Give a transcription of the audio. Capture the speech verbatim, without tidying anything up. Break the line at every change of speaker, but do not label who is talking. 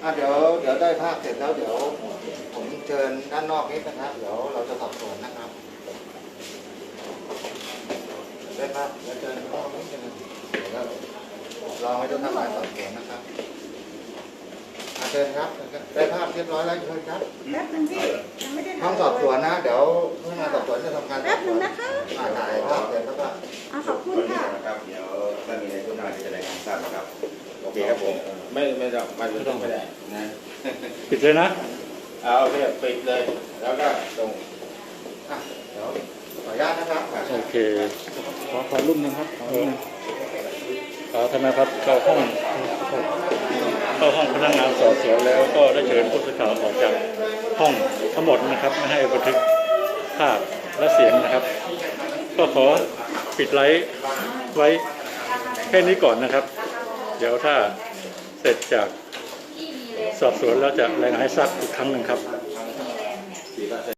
อ่ะเดี๋ยวเดี๋ยวได้ภาพเสร็จแล้วเดี๋ยวผมเชิญด้านนอกนิดนะครับเดี๋ยวเราจะสอบสวนนะครับได้ภาพเดี๋ยวเชิญข้างนอกนิดนึงเดี๋ยวเราให้ทุกท่านมาสอบสวนนะครับอ่ะเชิญครับได้ภาพเรียบร้อยแล้วเชิญครับ
แป๊บนึงพี่ยังไม่ได้
ห้องสอบสวนนะเดี๋ยวพนักงานสอบสวนจะทำการ
แป๊บนึงนะคะ
อ่าถ่ายภาพเสร็จแล้วก็
อ่าขอบคุณค่ะ
ครับเดี๋ยวถ้ามีอะไรขึ้นมาจะรายงานทราบนะครับโอเคครับผมไม่ไม่ต้องไม่ต้องไม่ได้นะ
ปิดเลยนะ
เอาโอเคปิดเลยแล้วก็ตรง
อ่ะเดี๋ยวขออนุญาตนะครับ
โอเคขอขอรูปหนึ่งครับขอรูปหนึ่งขอทนายครับเข้าห้องเข้าห้องพนักงานสอบสวนแล้วก็ได้เชิญผู้สื่อข่าวออกจากห้องทั้งหมดนะครับไม่ให้บันทึกภาพและเสียงนะครับ ก็ขอปิดไลฟ์ไว้แค่นี้ก่อนนะครับ เดี๋ยวถ้าเสร็จจากสอบสวนแล้วจะรายงานให้ทราบอีกครั้งหนึ่งครับ